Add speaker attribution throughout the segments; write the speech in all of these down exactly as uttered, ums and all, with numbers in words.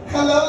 Speaker 1: Hello!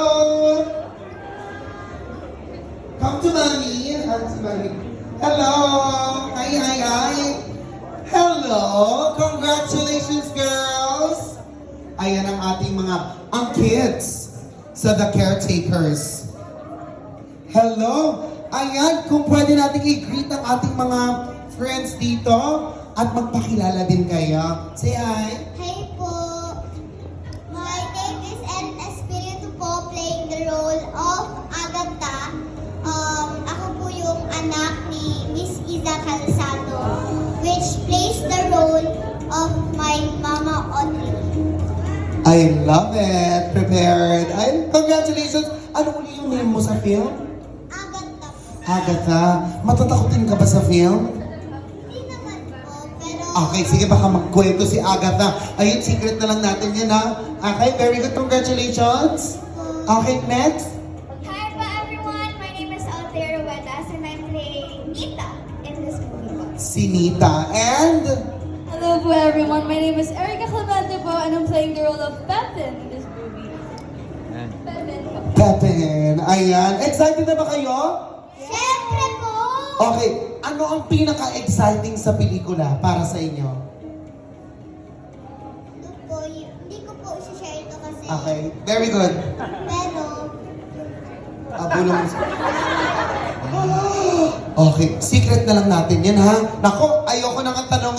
Speaker 1: Come to mommy. Come to mommy. Hello! Hi, hi, hi! Hello! Congratulations, girls! Ayan ang ating mga, ang kids sa The Caretakers. Hello! Ayan, kung pwede natin i-greet ang ating mga friends dito at magpakilala din kayo. Say hi!
Speaker 2: Hi po. My name is Erin Espiritu po, playing the role of Agatha. Um, ako po yung anak ni Miss Iza Calzado, which plays the role of my mama Audrey.
Speaker 1: I love it! Prepared! Ay, congratulations! Ano uli yung name mo sa film?
Speaker 2: Agatha.
Speaker 1: Agatha, matatakotin ka ba sa film?
Speaker 2: Hindi naman po, pero...
Speaker 1: Okay, sige, baka magkwento si Agatha. Ayun, secret na lang natin yan, ha? Okay, very good. Congratulations! Okay, next.
Speaker 2: Hi po everyone, my name is Altair Ruedas and I'm playing Nita in this movie po.
Speaker 1: Si Nita. And...
Speaker 3: Hello po everyone, my name is Erica Clemente po and I'm playing the role of Pepin in this movie. Pepin po.
Speaker 1: Pepin. Ayan. Excited na ba kayo?
Speaker 2: Siyempre po!
Speaker 1: Okay, ano ang pinaka-exciting sa pelikula para sa inyo?
Speaker 2: Ito po, y- hindi ko po isi-share ito kasi.
Speaker 1: Okay, very good.
Speaker 2: Pero,
Speaker 1: Ah, bulong. Okay, secret na lang natin yan, ha? Nako, ayoko nang tanong